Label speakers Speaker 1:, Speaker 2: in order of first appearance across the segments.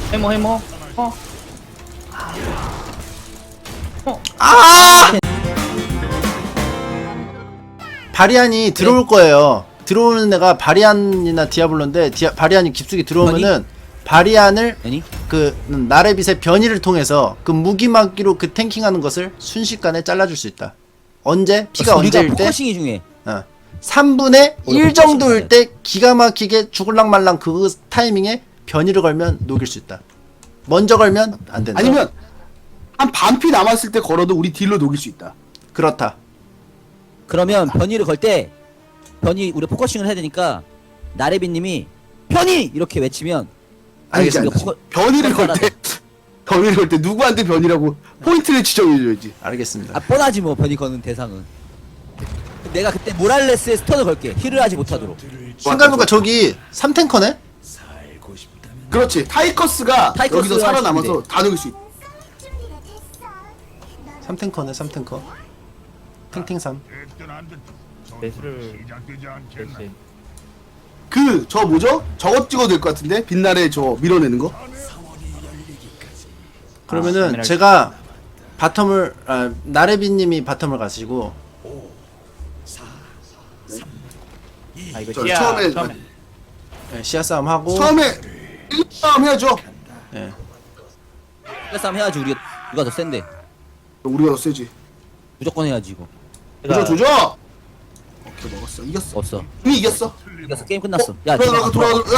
Speaker 1: 해모.
Speaker 2: 바리안이 들어올 거예요. 들어오는 애가 바리안이나 디아블로인데 바리안이 깊숙이 들어오면은 바리안을
Speaker 3: 아니?
Speaker 2: 그 나레빗의 변이를 통해서 그 무기막기로 그 탱킹하는 것을 순식간에 잘라줄 수 있다. 언제? 피가
Speaker 3: 우리가
Speaker 2: 언제일 때?
Speaker 3: 포커싱이 중요해.
Speaker 2: 3분의 1
Speaker 3: 포커싱
Speaker 2: 정도일 때 기가 막히게 죽을랑 말랑 그 타이밍에 변이를 걸면 녹일 수 있다. 먼저 걸면 안 된다.
Speaker 4: 아니면 한 반피 남았을 때 걸어도 우리 딜로 녹일 수 있다.
Speaker 2: 그렇다.
Speaker 3: 그러면 변이를 걸 때 변이 우리 포커싱을 해야 되니까 나래비님이 변이 이렇게 외치면
Speaker 4: 아니지
Speaker 3: 우리가
Speaker 4: 아니지.
Speaker 3: 포커-
Speaker 4: 변이를 걸
Speaker 3: 따라서.
Speaker 4: 때 변이를 걸 때 누구한테 변이라고 포인트를 지정해줘야지.
Speaker 2: 알겠습니다.
Speaker 3: 뻔하지 뭐 변이 거는 대상은. 내가 그때 모랄레스의 스턴을 걸게. 힐을 하지 못하도록.
Speaker 2: 생각해보니까 저기 3탱커네?
Speaker 4: 그렇지. 타이커스가
Speaker 3: 타이커스가
Speaker 4: 여기서 살아남아서
Speaker 3: 하시는데.
Speaker 4: 다 녹일 수 있다.
Speaker 2: 3탱커네 3탱커. 탱탱3.
Speaker 1: 매수를 그렇지.
Speaker 4: 저 뭐죠? 저것 찍어도 될 것 같은데? 빛날에 저 밀어내는 거?
Speaker 2: 그러면은
Speaker 1: 에메랄드.
Speaker 2: 제가 바텀을 나레비님이 바텀을 가시고
Speaker 1: 이거
Speaker 4: 저
Speaker 1: 찌야
Speaker 4: 처음에
Speaker 2: 시야 싸움 하고
Speaker 4: 처음에 1싸움 해야죠.
Speaker 2: 예.
Speaker 3: 싸움 해야지. 우리가 누가 더 센데.
Speaker 4: 우리가 더 세지.
Speaker 3: 무조건 해야지 이거.
Speaker 4: 조져. 오케이 먹었어. 이겼어.
Speaker 3: 없어.
Speaker 4: 이미 이겼어.
Speaker 3: 이겨서 게임 끝났어.
Speaker 4: 돌아가.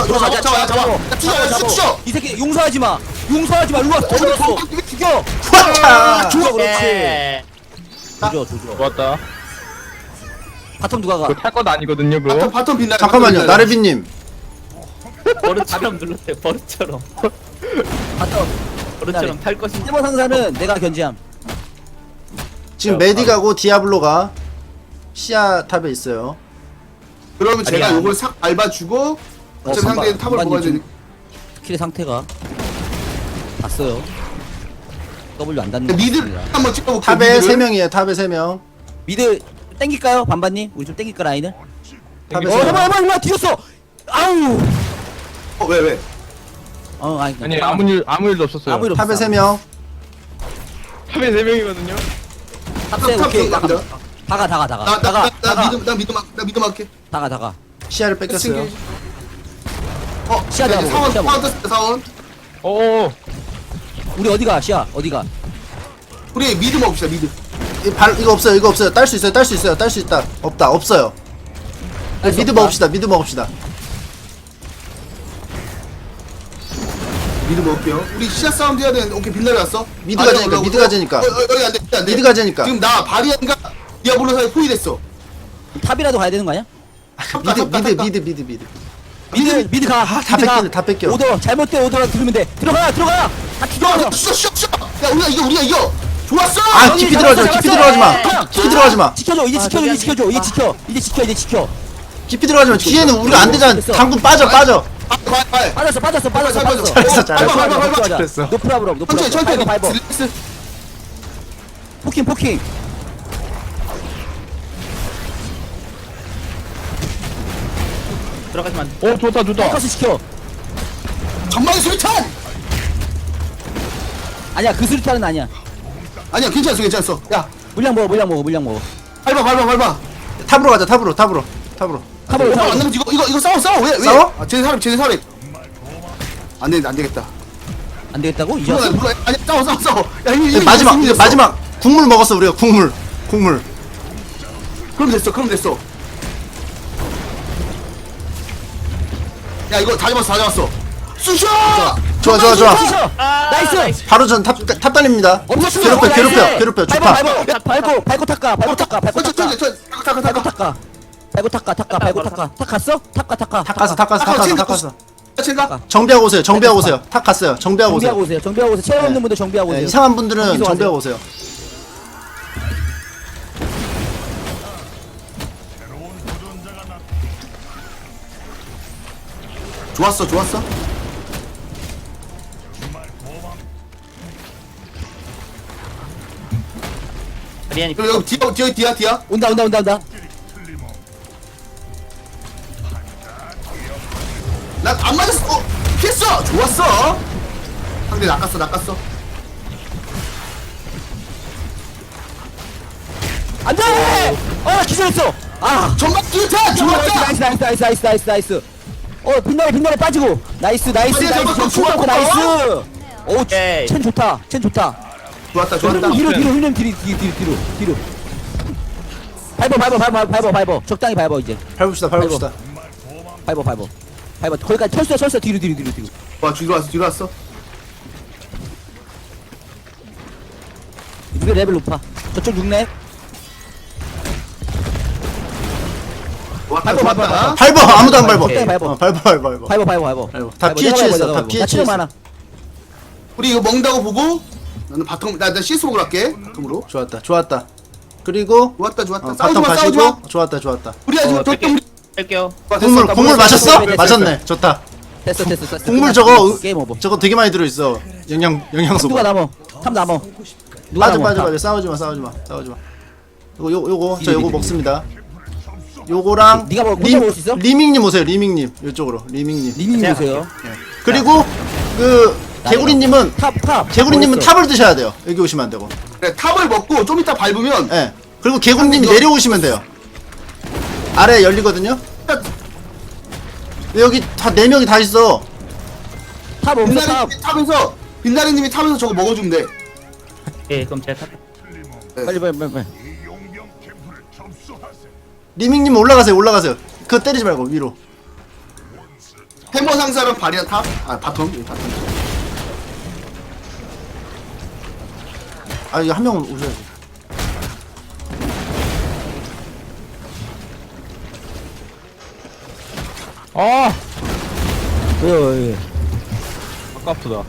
Speaker 4: 잡아.
Speaker 3: 이 새끼 용서하지 마. 용서하지 마. 일로 와. 죽여. 죽여.
Speaker 2: 후아차!
Speaker 3: 죽여. 그렇지.
Speaker 1: 네.
Speaker 3: 조져.
Speaker 1: 좋았다.
Speaker 3: 바텀 누가 가?
Speaker 1: 그거 탈 것도 아니거든요 그거.
Speaker 4: 바텀 빛나.
Speaker 2: 잠깐만요 나레비님
Speaker 1: 버릇처럼 눌렀어요. 버릇처럼.
Speaker 3: 바텀.
Speaker 1: 버릇처럼 탈 것이.
Speaker 3: 일본 상사는 내가 견제함.
Speaker 2: 지금 메디가고 디아블로가 시야 탑에 있어요.
Speaker 4: 그러면 제가
Speaker 3: 아니야.
Speaker 4: 요걸 싹 밟아주고 어차피
Speaker 3: 반반,
Speaker 4: 상대는 탑을
Speaker 3: 반반이
Speaker 4: 먹어야
Speaker 3: 좀-
Speaker 4: 되니까.
Speaker 3: 스킬의 상태가 봤어요. W 안 닿는 거
Speaker 4: 미드
Speaker 3: 같습니다.
Speaker 4: 한번 찍어볼게요.
Speaker 2: 탑에
Speaker 4: 미드를.
Speaker 2: 3명이에요. 탑에 3명.
Speaker 3: 미드 땡길까요, 반반님? 우리 좀 땡길까 라인을?
Speaker 2: 탑에
Speaker 3: 어,
Speaker 2: 3명.
Speaker 3: 해봐, 뒤졌어. 아우.
Speaker 4: 왜?
Speaker 1: 아니 아무 일도 없었어요.
Speaker 3: 아무 일
Speaker 2: 탑에
Speaker 3: 없어.
Speaker 2: 3명.
Speaker 1: 탑에 3명이거든요.
Speaker 3: 탑세
Speaker 4: 탑
Speaker 3: 오케이.
Speaker 4: 갑니다.
Speaker 3: 다가.
Speaker 4: 나 믿음 할게.
Speaker 3: 다가.
Speaker 2: 시야를 뺏겼어요.
Speaker 3: 시야
Speaker 4: 자, 이제
Speaker 3: 잡아보고,
Speaker 4: 사원
Speaker 3: 시야
Speaker 4: 사원 떴어요, 사원.
Speaker 1: 오.
Speaker 3: 우리 어디가? 시야 어디가?
Speaker 4: 우리 미드 먹읍시다 미드.
Speaker 2: 이거 없어요. 딸 수 있다. 없어요. 미드 먹읍시다.
Speaker 4: 미드 먹을게요. 우리 시야 싸움도 해야 되는데 오케이 빛나게 왔어.
Speaker 2: 미드가 되니까, 미드가 되니까.
Speaker 4: 여기 안 돼.
Speaker 2: 미드가 되니까.
Speaker 4: 지금 나 바리안과 디아블로 사이 포위됐어.
Speaker 3: 탑이라도 가야 되는 거 아니야?
Speaker 2: 미드.
Speaker 3: 미드 가.
Speaker 2: 다
Speaker 3: 미드 가.
Speaker 2: 뺏기네, 다 뺏겨.
Speaker 3: 오더 잘못된 오더라 들으면 돼. 들어가. 다 죽여.
Speaker 4: 쉬어. 야 우리가 이겨. 좋았어.
Speaker 2: 아, 깊이 들어가지 마.
Speaker 3: 지켜줘. 이제 지켜.
Speaker 2: 깊이 들어가지 마. 뒤에는 우리가 안 되잖아.
Speaker 3: 됐어.
Speaker 2: 당구 빠져.
Speaker 4: 발.
Speaker 3: 빠졌어.
Speaker 4: 잘했어.
Speaker 2: 잘했어.
Speaker 3: 노프라브럼.
Speaker 4: 천천히.
Speaker 3: 밟어.
Speaker 4: 릴렉스.
Speaker 3: 포킹.
Speaker 1: 들어가지만. 오 좋다.
Speaker 3: 포커스 시켜.
Speaker 4: 전방에 수류탄.
Speaker 3: 아니야, 그 수류탄은 아니야.
Speaker 4: 아니야 괜찮았어. 야
Speaker 3: 물량 먹어.
Speaker 4: 밟아.
Speaker 2: 탑으로 가자. 탑으로.
Speaker 3: 탑을
Speaker 4: 오빠 안 나면 이거 싸워. 왜?
Speaker 2: 싸워?
Speaker 4: 아, 쟤네 사람. 안 되겠다.
Speaker 3: 안 되겠다고? 이제 왔어?
Speaker 4: 물론 아니 싸워. 야 이거
Speaker 2: 마지막. 국물 먹었어 우리가. 국물.
Speaker 4: 그럼 됐어. 야 이거 다 잡았어. 쑤셔!
Speaker 2: 좋아.
Speaker 3: 나이스.
Speaker 2: 바로 전 탑 달립니다.
Speaker 3: 엄청
Speaker 2: 괴롭혀. 주파.
Speaker 3: 밟고 탁가.
Speaker 4: 탁
Speaker 3: 갔어?
Speaker 2: 탑 갔어.
Speaker 4: 제가
Speaker 2: 정비하고 오세요. 탑 갔어요. 정비하고 오세요.
Speaker 3: 정비하고 오세요. 체력 없는 분들 정비하고
Speaker 2: 네,
Speaker 3: 오세요.
Speaker 2: 이상한 분들은
Speaker 3: 정비소
Speaker 2: 정비하고 오세요.
Speaker 4: 좋았어.
Speaker 1: 리안이
Speaker 4: 여기 뒤야.
Speaker 3: 온다.
Speaker 4: 난 안 맞았어. 피했어. 좋았어. 상대 낚았어.
Speaker 3: 안돼! 나 기절했어. 아.
Speaker 4: 전방 기타 좋았다.
Speaker 3: 나이스. 빛나래 빠지고. 나이스.
Speaker 4: 좋았다.
Speaker 3: 좋았고 나이스. 오,
Speaker 1: 오케이.
Speaker 3: 첸 좋다.
Speaker 4: 좋았다.
Speaker 3: 뒤로. 밟어. 적당히 밟어 이제.
Speaker 2: 밟읍시다.
Speaker 3: 밟어. 거기까지 철수 뒤로.
Speaker 4: 와 뒤로 왔어.
Speaker 3: 우리 레벨 높아. 저쪽 6렙.
Speaker 4: 좋았다.
Speaker 2: 밟어. 아무도 안 밟어.
Speaker 3: 적당히 밟어.
Speaker 2: 밟어. 다 피해 취했어. 다 피해 취했어.
Speaker 3: 많아.
Speaker 4: 우리 이거 먹는다고 보고 나는 바텀 나 CS 먹으러 갈게. 바텀으로.
Speaker 2: 좋았다. 그리고
Speaker 4: 좋았다.
Speaker 2: 바텀
Speaker 4: 싸우지 마.
Speaker 2: 가시고 좋았다.
Speaker 4: 우리 아직
Speaker 1: 뺄게요. 뺄게요.
Speaker 2: 국물 마셨어?
Speaker 3: 됐어.
Speaker 2: 마셨네. 좋다.
Speaker 3: 됐어.
Speaker 2: 국물 저거
Speaker 3: 게임 오버.
Speaker 2: 저거 되게 많이 들어 있어. 영양소.
Speaker 3: 누가 남어? 탑 남어. 누가 남어?
Speaker 2: 맞아. 싸우지 마. 요거 저 요거 먹습니다. 요거랑
Speaker 3: 네가 혼자 먹을 수 있어?
Speaker 2: 리밍님 오세요. 리밍님 이쪽으로. 리밍님.
Speaker 3: 리밍 보세요.
Speaker 2: 그리고 그 개구리님은
Speaker 3: 탑.
Speaker 2: 개구리님은 탑을 드셔야 돼요. 여기 오시면 안 되고.
Speaker 4: 그래 탑을 먹고 좀 이따 밟으면
Speaker 2: 예. 그리고 개구리님이 내려오시면 돼요. 아래 열리거든요. 근데 여기 다 4명이 다 있어.
Speaker 3: 탑 없어 탑.
Speaker 4: 빛나리님이 탑에서 저거 먹어주면 돼.
Speaker 1: 예, 그럼 제가 탑.
Speaker 3: 빨리.
Speaker 2: 리밍님 올라가세요. 그거 때리지 말고 위로.
Speaker 4: 해머 상사랑 발이랑 탑? 바텀.
Speaker 2: 이거 한 명은 오셔야지.
Speaker 1: 아,
Speaker 3: 왜?
Speaker 1: 아깝다.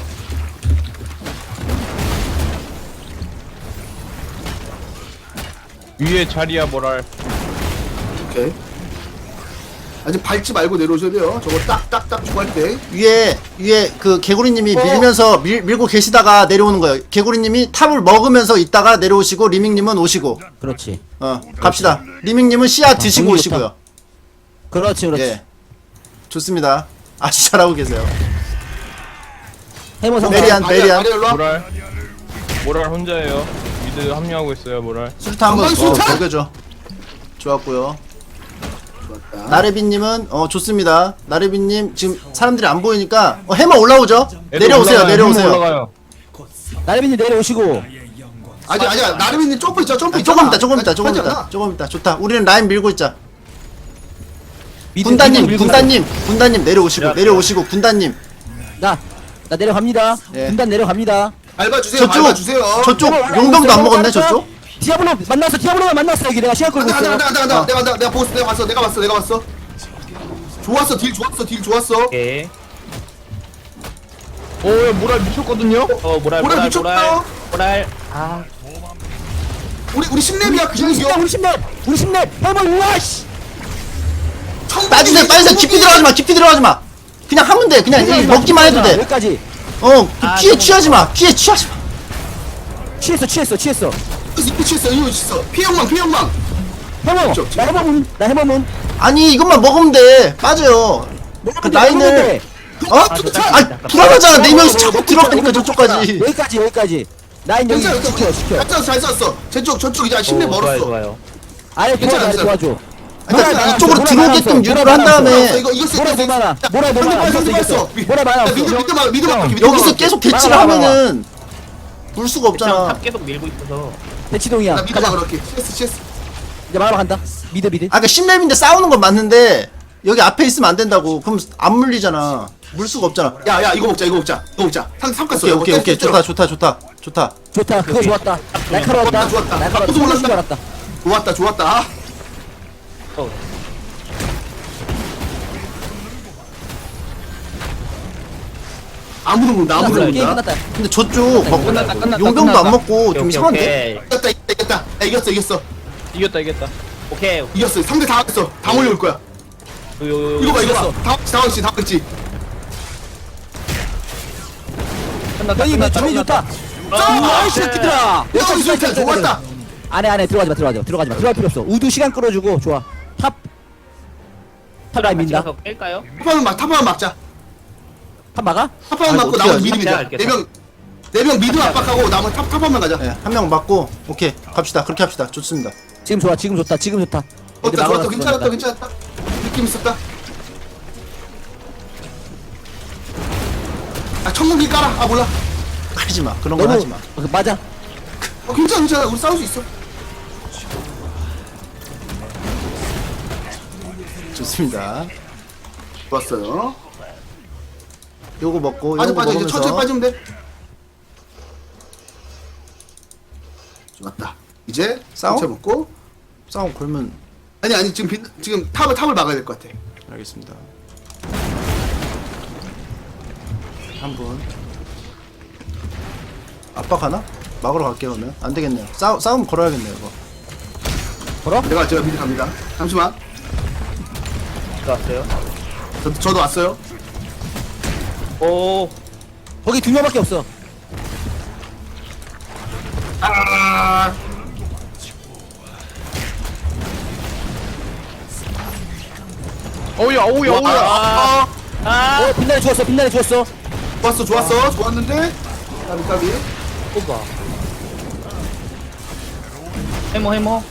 Speaker 1: 위에 자리야 뭐랄.
Speaker 4: 오케이. 아직 밟지 말고 내려오셔야 돼요. 저거 딱딱딱 주할 때.
Speaker 2: 위에 그 개구리님이 밀면서 밀고 계시다가 내려오는 거예요. 개구리님이 탑을 먹으면서 있다가 내려오시고 리밍님은 오시고.
Speaker 3: 그렇지.
Speaker 2: 갑시다. 리밍님은 씨앗 드시고
Speaker 3: 공이
Speaker 2: 오시고요.
Speaker 3: 좋다. 그렇지.
Speaker 2: 예. 좋습니다. 아주 잘하고 계세요.
Speaker 3: 해머 상사.
Speaker 2: 메리안.
Speaker 4: 일로 와.
Speaker 1: 모랄 혼자예요. 미드 합류하고 있어요, 모랄.
Speaker 2: 술타 한번
Speaker 4: 전방 술타!
Speaker 2: 먹여줘. 좋았고요.
Speaker 4: 좋았다.
Speaker 2: 나레비님은 좋습니다. 나레비님 지금 사람들이 안 보이니까 해머 올라오죠?
Speaker 1: 애들
Speaker 2: 내려오세요.
Speaker 1: 올라가요.
Speaker 2: 내려오세요.
Speaker 1: 올라가요.
Speaker 3: 나래빈님 내려오시고.
Speaker 4: 아직 나름이님 점프 있죠. 점프
Speaker 2: 조금
Speaker 4: 있잖아.
Speaker 2: 있다. 조금
Speaker 4: 하지
Speaker 2: 있다.
Speaker 4: 않아?
Speaker 2: 조금 있다. 좋다. 우리는 라인 밀고 있자.
Speaker 3: 미드
Speaker 2: 군단님
Speaker 3: 밀고 있어.
Speaker 2: 군단님 내려오시고
Speaker 1: 야.
Speaker 2: 내려오시고 군단님.
Speaker 3: 나 내려갑니다.
Speaker 2: 예.
Speaker 3: 군단 내려갑니다.
Speaker 4: 밟아주세요.
Speaker 2: 저쪽
Speaker 3: 올라가고
Speaker 2: 용병도
Speaker 3: 있어요.
Speaker 2: 안 먹었네.
Speaker 3: 올라가니까
Speaker 2: 저쪽.
Speaker 3: 디아블로만 만났어 여기 내가 시간 끌고 있어.
Speaker 4: 간다. 내가 보스 내가 봤어. 좋았어. 딜 좋았어.
Speaker 1: 오케이. 오, 모랄 미쳤거든요. 모랄.
Speaker 4: 모랄 미쳤다.
Speaker 1: 모랄. 아,
Speaker 4: 우리 10렙이야. 그
Speaker 3: 우리
Speaker 4: 정도.
Speaker 3: 10렙 해머 우와 씨.
Speaker 2: 빠지세요. 깊이 들어가지 마. 그냥 하면 돼. 그냥 이 먹기만 해도 돼.
Speaker 3: 여기까지.
Speaker 2: 피해 취하지 마.
Speaker 3: 취했어.
Speaker 4: 이거 있어. 피해망.
Speaker 3: 해머.
Speaker 4: 그쵸.
Speaker 3: 나 해머문.
Speaker 2: 아니 이것만 먹으면 돼. 빠져요. 그 라인을 불안하잖아. 4명이서 자꾸 들어가니까 저쪽까지.
Speaker 3: 여기까지. 라인 여기 지켜.
Speaker 4: 잘 쐈어. 저쪽 이제 10렙 멀었어.
Speaker 1: 좋아요.
Speaker 3: 아래
Speaker 4: 괜찮아.
Speaker 3: 도와줘.
Speaker 2: 그러니까 이쪽으로 들어오게끔 유도를 한 다음에
Speaker 4: 이거
Speaker 3: 모래 많아. 이겼어. 모래 많아.
Speaker 4: 미드 막혀.
Speaker 2: 여기서 계속 대치를 하면은 물 수가
Speaker 1: 그냥
Speaker 2: 없잖아.
Speaker 1: 탑 계속 밀고 있어서.
Speaker 3: 대치동이야.
Speaker 4: 나 미드
Speaker 3: 가자.
Speaker 4: 그렇게. CS.
Speaker 3: 이제 마라 간다. 미드.
Speaker 2: 아까 10렙인데 싸우는 건 맞는데 여기 앞에 있으면 안 된다고. 그럼 안 물리잖아. 물 수가 없잖아.
Speaker 4: 야 이거 먹자. 삼 깠어.
Speaker 2: 오케이. 좋다.
Speaker 3: 좋다. 그거 좋았다. 날카로웠다.
Speaker 4: 좋았다.
Speaker 3: 날카로웠다.
Speaker 4: 깜짝
Speaker 3: 줄 알았다.
Speaker 4: 좋았다. 아무도 모른다.
Speaker 3: 게임 끝났다.
Speaker 2: 근데 저쪽 막
Speaker 1: 끝났다.
Speaker 2: 용병도 안 먹고 좀 이상한데?
Speaker 4: 이겼다.
Speaker 1: 이겼다. 오케이.
Speaker 4: 이겼어. 상대 다 했어. 다 몰려올 거야. 이거 봐. 당황했지.
Speaker 3: 형이 왜 주인 좋다. 이 새끼들아.
Speaker 4: 야, 좋았다.
Speaker 3: 안에 들어가지 마. 들어갈 필요 없어. 우드 시간 끌어주고 좋아. 탑 라인 민다.
Speaker 1: 깰까요?
Speaker 4: 탑하면 막자.
Speaker 3: 탑 막아?
Speaker 4: 탑한
Speaker 2: 아이고,
Speaker 4: 맞고
Speaker 2: 어떻게
Speaker 4: 나머지
Speaker 2: 하지?
Speaker 4: 미드 밀자.
Speaker 5: 알겠다.
Speaker 4: 4명 미드 압박하고 나머지 탑한만 가자.
Speaker 2: 네, 한 명 맞고 오케이 갑시다. 그렇게 합시다. 좋습니다.
Speaker 3: 지금 좋아 지금 좋다 지금 좋다. 애들
Speaker 4: 좋았다
Speaker 3: 막아놨어,
Speaker 4: 괜찮았다
Speaker 3: 그러니까.
Speaker 4: 괜찮았다. 느낌 있었다. 아 천문기 깔아. 아 몰라.
Speaker 2: 하지 마. 그런 건
Speaker 3: 너무
Speaker 2: 하지 마.
Speaker 3: 맞아.
Speaker 4: 괜찮아 괜찮아. 우리 싸울 수 있어.
Speaker 2: 좋습니다.
Speaker 4: 좋았어요.
Speaker 2: 요거 먹고
Speaker 4: 빠져
Speaker 2: 요거
Speaker 4: 빠져 이제 천천히
Speaker 2: 먹으면서
Speaker 4: 빠지면 돼. 좋았다. 이제
Speaker 2: 싸워?
Speaker 4: 천천히 먹고.
Speaker 2: 싸움 걸면
Speaker 4: 아니 지금 탑을 막아야 될 것 같아.
Speaker 2: 알겠습니다. 한 분. 압박하나? 막으러 갈게요 그러면. 안 되겠네요. 싸움 걸어야겠네요 이거.
Speaker 3: 걸어?
Speaker 4: 제가 미리 갑니다. 잠시만.
Speaker 5: 왔어요.
Speaker 4: 저도 왔어요.
Speaker 5: 오.
Speaker 3: 거기 2명밖에 없어.
Speaker 4: 아
Speaker 1: 어우야 어우야 어우야.
Speaker 3: 어 빛나래 죽었어 빛나래 죽었어.
Speaker 4: 좋았어 좋았는데 까비.
Speaker 5: 뽑아. 해머.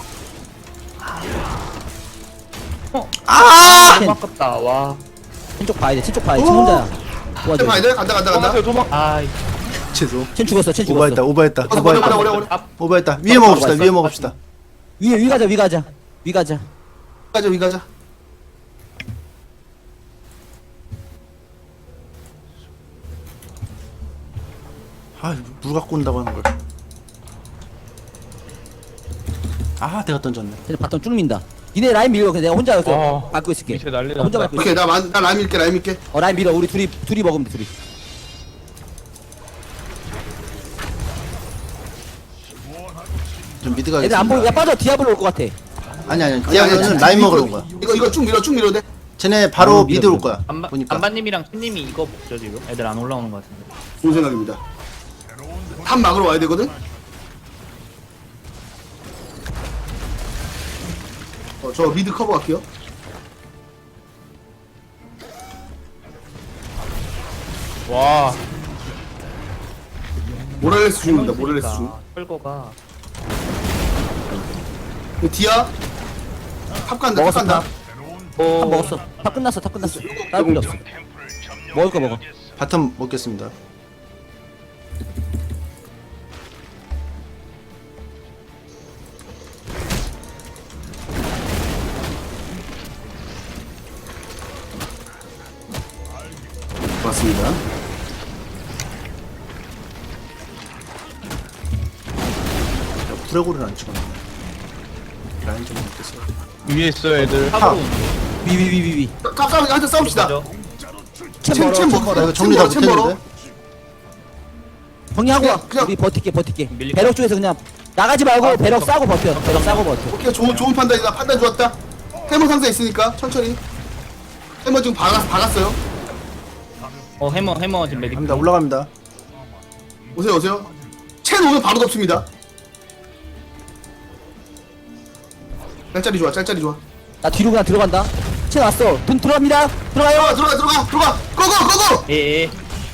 Speaker 2: 아!
Speaker 5: 너무 아깝다. 와.
Speaker 3: 왼쪽 봐야 돼 왼쪽 봐야 돼. 지금 혼자야. 도와줘.
Speaker 4: 봐야 돼. 간다.
Speaker 1: 도망가세요 도망.
Speaker 5: 아.
Speaker 2: 죄송.
Speaker 3: 쟨 죽었어 쟨 죽었어.
Speaker 2: 오버했다 오버했다
Speaker 4: 어려.
Speaker 2: 오버했다 오버했다. 위에 먹읍시다 위에 먹읍시다.
Speaker 3: 위 가자 위 가자.
Speaker 4: 위 가자.
Speaker 2: 아물 갖고 온다고 하는 걸. 아 내가 던졌네.
Speaker 3: 쟤네 바텀 쭉 민다. 니네 라인 밀어. 그냥 내가 혼자 여기서
Speaker 1: 와,
Speaker 3: 막고 있을게.
Speaker 1: 밑에 난리
Speaker 3: 나 혼자
Speaker 1: 났다.
Speaker 3: 막고 있을게.
Speaker 4: 오케이 나 라임 밀게.
Speaker 3: 라인 밀어. 우리 둘이 먹으면 돼 둘이.
Speaker 2: 좀 미드
Speaker 3: 애들
Speaker 2: 가겠습니다.
Speaker 3: 안 보여. 야 빠져. 디아블로 올 것 같아.
Speaker 2: 아니 디아블로는 라인 먹으러 온 거야.
Speaker 4: 이거 쭉 밀어 돼.
Speaker 2: 쟤네 바로
Speaker 3: 미드
Speaker 2: 미드 올 거야. 보니까.
Speaker 5: 안반님이랑 팬님이 이거 먹죠 지금. 애들 안 올라오는 것 같은데.
Speaker 4: 좋은 생각입니다. 탑 막으러 와야 되거든. 저 미드 커버 갈게요.
Speaker 1: 와.
Speaker 4: 모랄레스 중입니다. 모랄레스 중.
Speaker 5: 끌고가.
Speaker 4: 디아 탑 간다.
Speaker 3: 먹었어,
Speaker 4: 탑 간다.
Speaker 3: 탑 먹었어. 탑 끝났어. 다른 필요 없어. 먹을 거 먹어.
Speaker 2: 바텀 먹겠습니다.
Speaker 4: 맞습니다.
Speaker 2: 브레고를 안 찍었네. 라인 좀 먹겠어요.
Speaker 1: 위에 있어 애들.
Speaker 5: 탑으로.
Speaker 3: 위.
Speaker 4: 탑 싸움 한테 싸웁시다.
Speaker 3: 챔 멀어. 챔
Speaker 2: 나
Speaker 3: 멀어.
Speaker 2: 이거 정리 다
Speaker 4: 챔 멀어.
Speaker 2: 못했는데.
Speaker 3: 정리하고 와.
Speaker 4: 그냥-
Speaker 3: 우리 버틸게.
Speaker 5: 밀릴까?
Speaker 3: 배럭 쪽에서 그냥 나가지 말고 배럭 싸고 버텨. 배럭 싸고 버텨.
Speaker 4: 오케이 좋은 판단이다. 판단 좋았다. 해머 상자 있으니까 천천히. 해머 지금 박았어요.
Speaker 5: 해머 지금 메딕.
Speaker 2: 갑니다. 올라갑니다.
Speaker 4: 오세요. 첸 오면 바로 덮습니다. 짤짤이 좋아.
Speaker 3: 나 뒤로 그냥 들어간다. 챔 왔어. 돈 들어갑니다. 들어가요.
Speaker 4: 들어가. 고고.
Speaker 5: 예.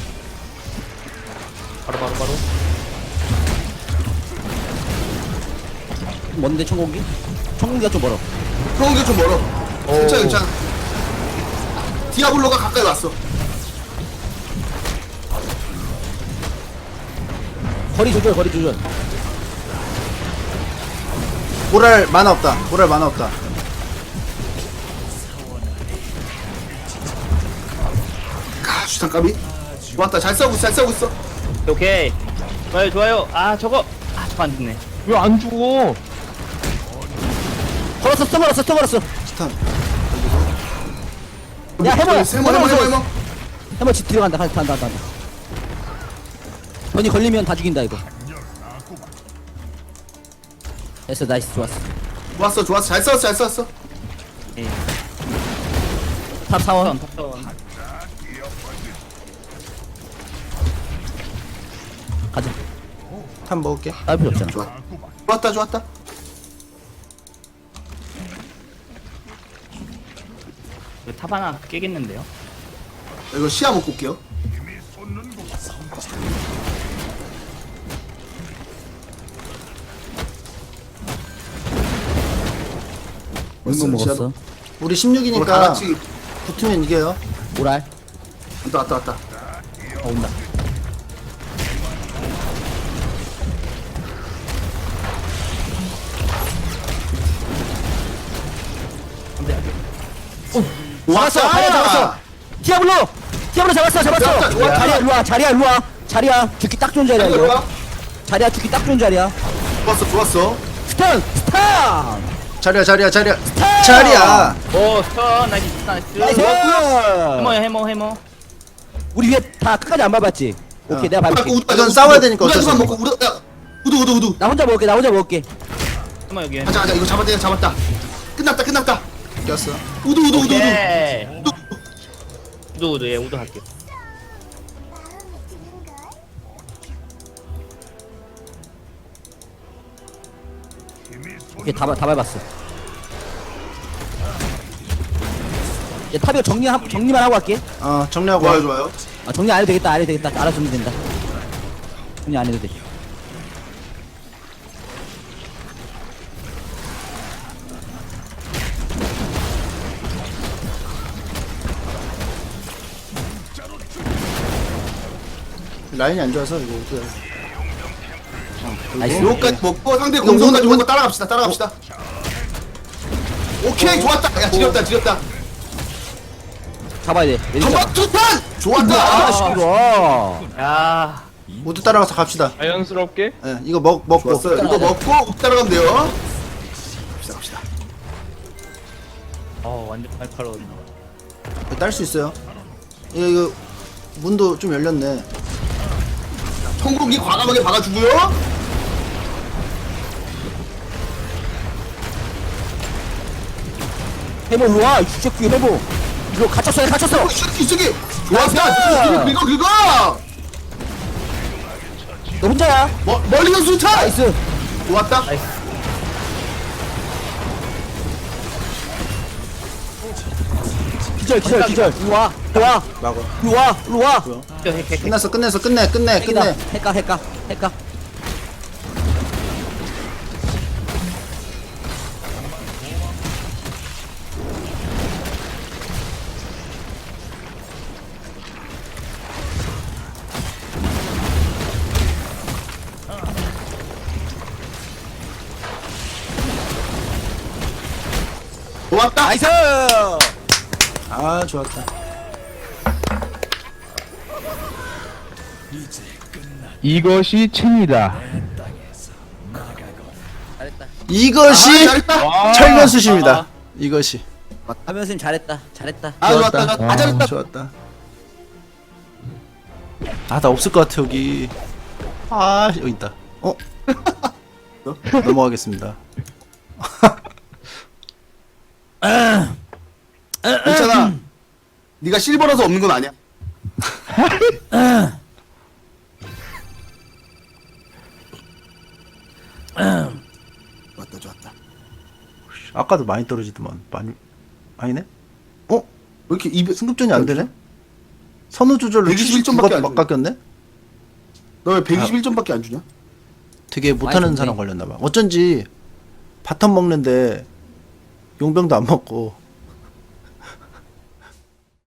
Speaker 5: 바로.
Speaker 3: 뭔데 청공기? 청공기가 좀 멀어.
Speaker 4: 그런 게 좀 멀어. 괜찮아. 디아블로가 가까이 왔어.
Speaker 3: 거리 조절.
Speaker 2: 모랄 만화 없다.
Speaker 4: 주탄 까비. 좋았다. 잘 싸우고 있어.
Speaker 5: 오케이. 좋아요. 아 저거 안 됐네.
Speaker 1: 왜 안 죽어?
Speaker 3: 걸었어. 또
Speaker 2: 스탄.
Speaker 3: 야, 해봐.
Speaker 4: 해머.
Speaker 3: 해머 집 들어간다. 간다. 번이 걸리면 다 죽인다 이거. 됐어. 나이스. 좋았어.
Speaker 4: 잘 싸웠어.
Speaker 5: 예.
Speaker 3: 탑 사원.
Speaker 5: 탑다운.
Speaker 3: 가자.
Speaker 2: 탑 먹을게.
Speaker 3: 따로 필요 없잖아.
Speaker 4: 좋았다.
Speaker 5: 탑 하나 깨겠는데요?
Speaker 4: 이거 시야 먹고 올게요.
Speaker 3: 얼마 먹었어?
Speaker 2: 우리
Speaker 4: 우리
Speaker 2: 16이니까
Speaker 4: 다 같이
Speaker 2: 붙으면 이겨요.
Speaker 3: 오랄.
Speaker 4: 왔다.
Speaker 3: 온다.
Speaker 4: 왔어.
Speaker 3: 자리야 잡았어. 디아블로 잡았어.
Speaker 4: 좋았다.
Speaker 3: 자리야 일로 와. 자리야 일로 와. 자리야 죽기 딱 좋은 자리야 이거. 자리야 죽기 딱 좋은 자리야.
Speaker 4: 좋았어.
Speaker 3: 스턴.
Speaker 2: 자리야.
Speaker 5: 오 스턴 나이스
Speaker 3: 나이스.
Speaker 5: 해머.
Speaker 3: 우리 위에 다 끝까지 안 밟았지. 오케이 내가 밟을게.
Speaker 2: 이건 싸워야 되니까 어쩔 수
Speaker 4: 우두만
Speaker 2: 없어.
Speaker 4: 먹고 우두.
Speaker 3: 나 혼자 먹을게.
Speaker 5: 해머 여기
Speaker 4: 가자. 이거 잡았다. 끝났다.
Speaker 2: 꼈어.
Speaker 4: 우두.
Speaker 5: 오케이 우드 예 우드 할게
Speaker 3: 오케이 다 밟았어. 이제 탑이가 정리만 하고 갈게.
Speaker 2: 정리하고 와.
Speaker 4: 좋아요.
Speaker 3: 아, 정리 안 해도 되겠다. 알아서 정리 된다. 정리 안 해도 돼.
Speaker 2: 라인이 안 좋아서 이거 어떡해.
Speaker 3: 나이스.
Speaker 4: 요거까지 먹고 상대 공성까지 먹고 따라갑시다. 오케이 좋았다. 야 지렸다.
Speaker 3: 잡아야 돼.
Speaker 4: 전방 투탄 좋았다.
Speaker 3: 아, 시끄러.
Speaker 5: 야
Speaker 2: 모두 따라가서 갑시다.
Speaker 1: 자연스럽게
Speaker 2: 예, 이거 먹고.
Speaker 4: 좋았어요. 이거 먹고 따라가면 돼요. 갑시다.
Speaker 5: 완전 날카로운
Speaker 2: 딸 수 있어요. 이거 문도 좀 열렸네.
Speaker 4: 청공기 과감하게 박아주고요.
Speaker 3: 해보 일로 와. 주적기 해보. 이거 갇혔어.
Speaker 4: 이 새끼 좋았다. 긁어.
Speaker 3: 너 혼자야.
Speaker 4: 멀리서 수탄.
Speaker 3: 나이스.
Speaker 4: 좋았다.
Speaker 3: 기절. 일로 와.
Speaker 2: 막어.
Speaker 3: 일로 와.
Speaker 2: 끝났어. 끝내.
Speaker 3: 핵가.
Speaker 4: 좋았다.
Speaker 3: 나이스.
Speaker 2: 아, 좋았다.
Speaker 1: 이것이 첸이다.
Speaker 2: 이것이
Speaker 4: 잘했다.
Speaker 2: 철면수십니다. 이것이.
Speaker 3: 하면 선생님 잘했다.
Speaker 4: 잘했다.
Speaker 2: 좋았다. 아, 나 없을 것 같아 여기. 아, 여기 있다. 넘어가겠습니다.
Speaker 4: 괜찮아. 네가 실버라서 없는 건 아니야. 좋았다.
Speaker 2: 아까도 많이 떨어지더만. 아니네?
Speaker 4: 왜 이렇게
Speaker 2: 승급전이 안 되네? 선우 조절로
Speaker 4: 121점 밖에 안
Speaker 2: 막 깎였네?
Speaker 4: 너왜 121점밖에 안 주냐?
Speaker 2: 되게 못하는
Speaker 3: 좋네.
Speaker 2: 사람 걸렸나봐. 어쩐지 바텀 먹는데 용병도 안 먹고